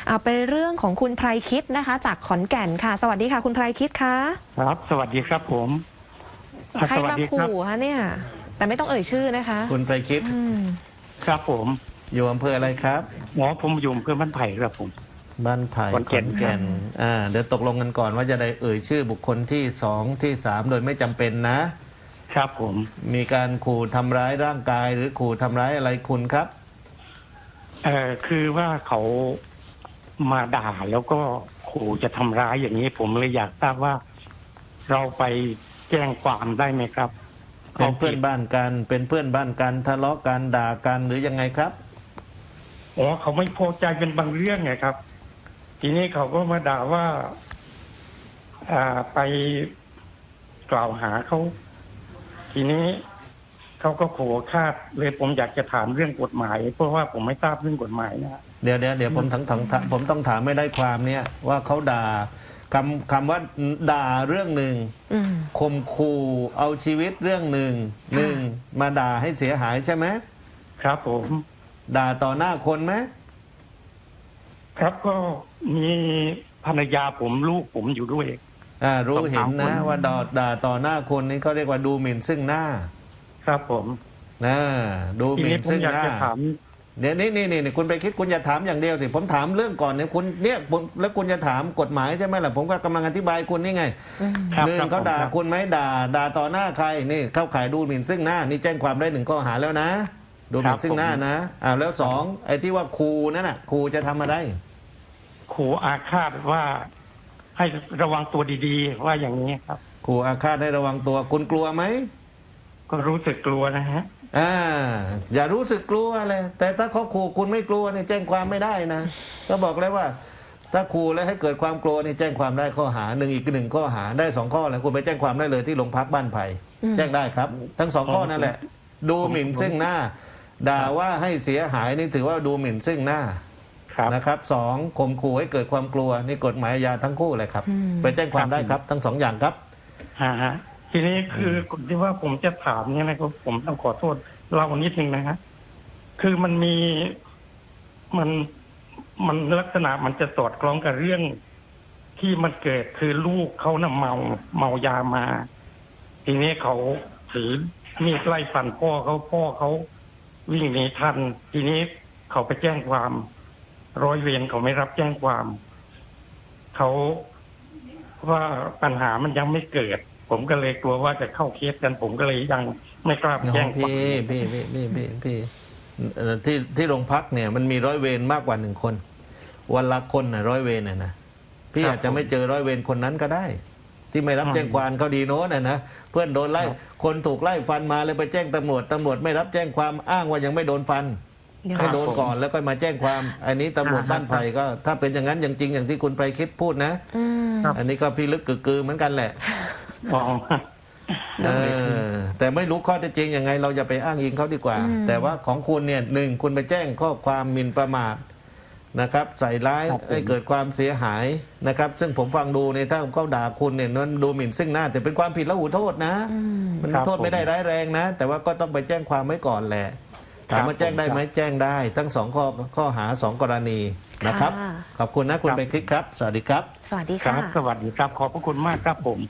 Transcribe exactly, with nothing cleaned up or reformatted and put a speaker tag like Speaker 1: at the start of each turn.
Speaker 1: เอาไปเรื่องของคุณไพรคิดนะคะจากขอนแก่นค่ะสวัสดีค่ะคุณไพรคิดคะ
Speaker 2: ครับสวัสดีครับผม
Speaker 1: ใครมาขู่คะเนี่ยแต่ไม่ต้องเอ่ยชื่อนะคะ
Speaker 3: คุณไพรคิด
Speaker 2: ครับผม
Speaker 3: อยู่อำเภออะไรครับ
Speaker 2: หมอผมอยู่อำเภอบ้านไผ่ครับผม
Speaker 3: บ้านไผ่ขอนแก่นอ่าเดี๋ยวตกลงกันก่อนว่าจะได้เอ่ยชื่อบุคคลที่สองที่สามโดยไม่จำเป็นนะครับ
Speaker 2: ผม
Speaker 3: มีการขู่ทำร้ายร่างกายหรือขู่ทำร้ายอะไรคุณครับ
Speaker 2: เอ่อคือว่าเขามาด่าแล้วก็ขู่จะทำร้ายอย่างนี้ผมเลยอยากทราบว่าเราไปแจ้งความได้ไหมครับ
Speaker 3: เป็นเพื่อนบ้านกันเป็นเพื่อนบ้านกันทะเลาะกันด่ากันหรือยังไงครับ
Speaker 2: อ๋อเขาไม่พอใจเป็นบางเรื่องไงครับทีนี้เขาก็มาด่าว่าอ่าไปกล่าวหาเขาทีนี้เขาก็ขู่ฆ่าเลยผมอยากจะถามเรื่องกฎหมายเพราะว่าผมไม่ทราบเรื่องกฎหมายนะ
Speaker 3: เดี๋ยวเดี๋ยวเดี๋ยวผมทั้งทั้งผมต้องถามไม่ได้ความเนี่ยว่าเขาด่าคำคำว่าด่าเรื่องหนึ่งข่มขู่เอาชีวิตเรื่องหนึ่งหนึ่งมาด่าให้เสียหายใช่ไหม
Speaker 2: ครับผม
Speaker 3: ด่าต่อหน้าคนไหม
Speaker 2: ครับก็มีภรรยาผมลูกผมอยู่ด้วย
Speaker 3: อ่ารู้เห็นนะว่าด่าด่าต่อหน้าคนนี้เขาเรียกว่าดูหมิ่นซึ่งหน้า
Speaker 2: ครับผม
Speaker 3: นะดูหมิ่นซึ่งหน้าเดี๋ยวนี้นี่นี่คุณไปคิดคุณอย่าถามอย่างเดียวสิผมถามเรื่องก่อนเนี่ยคุณเนี่ยแล้วคุณจะถามกฎหมายใช่ไหมล่ะผมก็กำลังอธิบายคุณนี่ไงหนึ่งเขาด่าคุณไหมด่าด่าต่อหน้าใครนี่เข้าข่ายดูหมิ่นซึ่งหน้านี่แจ้งความได้หนึ่งข้อหาแล้วนะดูหมิ่นซึ่งหน้านะอ่าแล้วสองไอ้ที่ว่าครูนั่นน่ะครูจะทำอะไร
Speaker 2: ครูอาฆาตว่าให้ระวังตัวดีๆว่าอย่างนี้ครับ
Speaker 3: ครูอาฆาตให้ระวังตัวคุณกลัวไหม
Speaker 2: ก็รู้สึกกลัวนะฮะ
Speaker 3: อ่าอย่ารู้สึกกลัวเลยแต่ถ้าเขาขู่คุณไม่กลัวเนี่ยแจ้งความไม่ได้นะก็บอกเลยว่าถ้าขู่แล้วให้เกิดความกลัวนี่แจ้งความได้ข้อหาหนึ่งอีกหนึ่งข้อหาได้สองข้อเลยคุณไปแจ้งความได้เลยที่โรงพักบ้านไผ่แจ้งได้ครับทั้งสองข้อนั่นแหละดูหมิ่นซึ่งหน้าด่าว่าให้เสียหายนี่ถือว่าดูหมิ่นซึ่งหน้านะครับสองข่มขู่ให้เกิดความกลัวนี่กฎหมายอาญาทั้งคู่เลยครับไปแจ้งความได้ครับทั้งสองอย่างครับ
Speaker 2: ฮะฮะทีนี้คือคนที่ว่าผมจะถามเนี่ยนะครับผมต้องขอโทษเล่านิดนึงนะฮะคือมันมีมันมันลักษณะมันจะสอดคล้องกับเรื่องที่มันเกิดคือลูกเขาน่ะเมาเมายามาทีนี้เขาถือมีดไล่ฟันพ่อเขาพ่อเขาวิ่งหนีทันทีนี้เขาไปแจ้งความร้อยเวรเขาไม่รับแจ้งความเขาว่าปัญหามันยังไม่เกิดผมก็เลยกลัวว่าจะเข้าเคสกันผมก็เลยยังไม่กล้าแจ้งความ
Speaker 3: พี่พี่พี่พี่พี่พี่ที่ที่โรงพักเนี่ยมันมีร้อยเวรมากกว่าหนึ่งคนวันละคนน่ะร้อยเวรน่ะนะพี่อาจจะไม่เจอร้อยเวรคนนั้นก็ได้ที่ไม่รับแจ้งความเขาดีโน้นน่ะนะเพื่อนโดนไล่คนถูกไล่ฟันมาเลยไปแจ้งตำรวจตำรวจไม่รับแจ้งความอ้างว่ายังไม่โดนฟันให้โดนก่อนแล้วก็มาแจ้งความอันนี้ตำรวจบ้านไผ่ก็ถ้าเป็นอย่างนั้นอย่างจริงอย่างที่คุณไปคิดพูดนะอันนี้ก็พี่ลึกกึกๆเหมือนกันแหละเออแต่ไม่รู้ข้อเท็จจริงยังไงเราอย่าไปอ้างอิงเขาดีกว่าแต่ว่าของคุณเนี่ยหนึ่งคุณไปแจ้งข้อความหมิ่นประมาทนะครับใส่ร้ายให้เกิดความเสียหายนะครับซึ่งผมฟังดูเนี่ยถ้าเขาด่าคุณเนี่ยนั้นดูหมิ่นซึ่งหน้าแต่เป็นความผิดแล้วหูโทษนะมันโทษไม่ได้ร้ายแรงนะแต่ว่าก็ต้องไปแจ้งความไว้ก่อนแหละถามว่าแจ้งได้ไหมแจ้งได้ทั้งสองข้อข้อหาสองกรณีนะครับขอบคุณนะคุณไปคลิกครับสวัสดีครับ
Speaker 1: สวัสดีค่ะ
Speaker 2: สวัสดีครับขอบพระคุณมากครับผม